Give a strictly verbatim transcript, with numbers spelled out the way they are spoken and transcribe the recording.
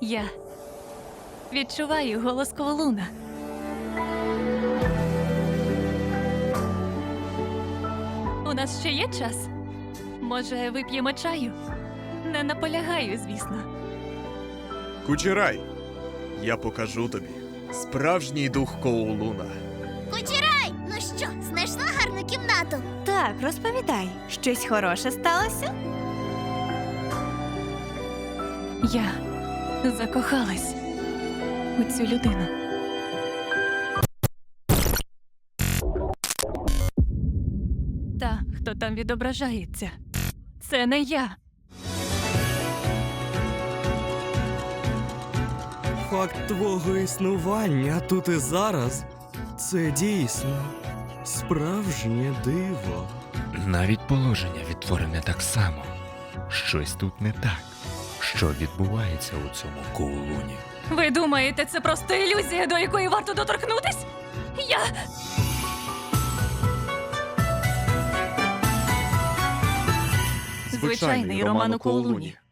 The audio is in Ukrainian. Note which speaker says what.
Speaker 1: Я відчуваю голос Коулуна. У нас ще є час? Може, вип'ємо чаю? Не наполягаю, звісно.
Speaker 2: Кучерай, я покажу тобі справжній дух Коулуна.
Speaker 3: Кучерай! Ну що, знайшла гарну кімнату?
Speaker 4: Так, розповідай, щось хороше сталося?
Speaker 1: Я закохалась у цю людину. Та, хто там відображається, це не я.
Speaker 5: Факт твого існування тут і зараз – це дійсно справжнє диво.
Speaker 6: Навіть положення відтворене так само. Щось тут не так. Що відбувається у цьому Коулуні?
Speaker 1: Ви думаєте, це просто ілюзія, до якої варто доторкнутись? Я... Звичайний роман у Коулуні.